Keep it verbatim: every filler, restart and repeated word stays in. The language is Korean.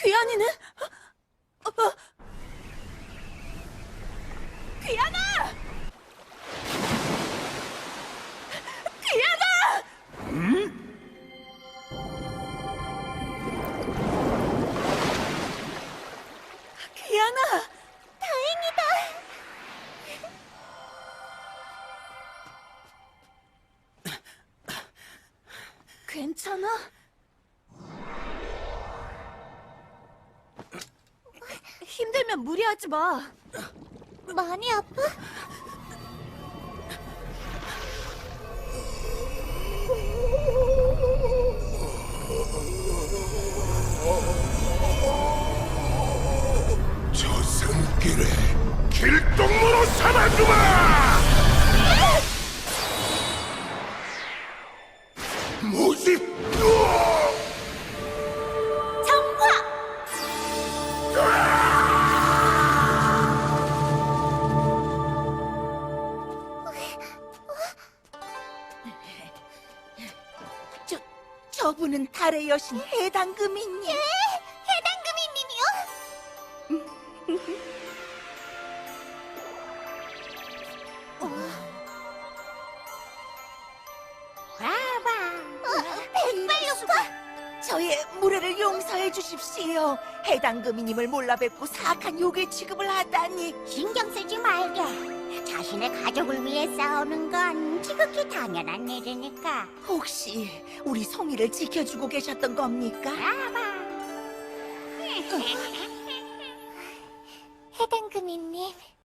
귀환이는? 어, 어. 귀환아! 귀환아! 음? 귀환아! 다행이다! 괜찮아? 힘들면 무리하지 마. 많이 아파? 저 산길에 길동무로 삼아주마! 뭐지? 으아! 정화! 저, 저분은 달의 여신 해당금이님. 예, 해당금이님이요? 백발로파? 저의 무례를 용서해 주십시오. 해당금이님을 몰라 뵙고 사악한 요괴 취급을 하다니. 신경 쓰지 말게. 자신의 가족을 위해 싸우는 건 지극히 당연한 일이니까. 혹시 우리 송이를 지켜주고 계셨던 겁니까? 아바. 해당금이님,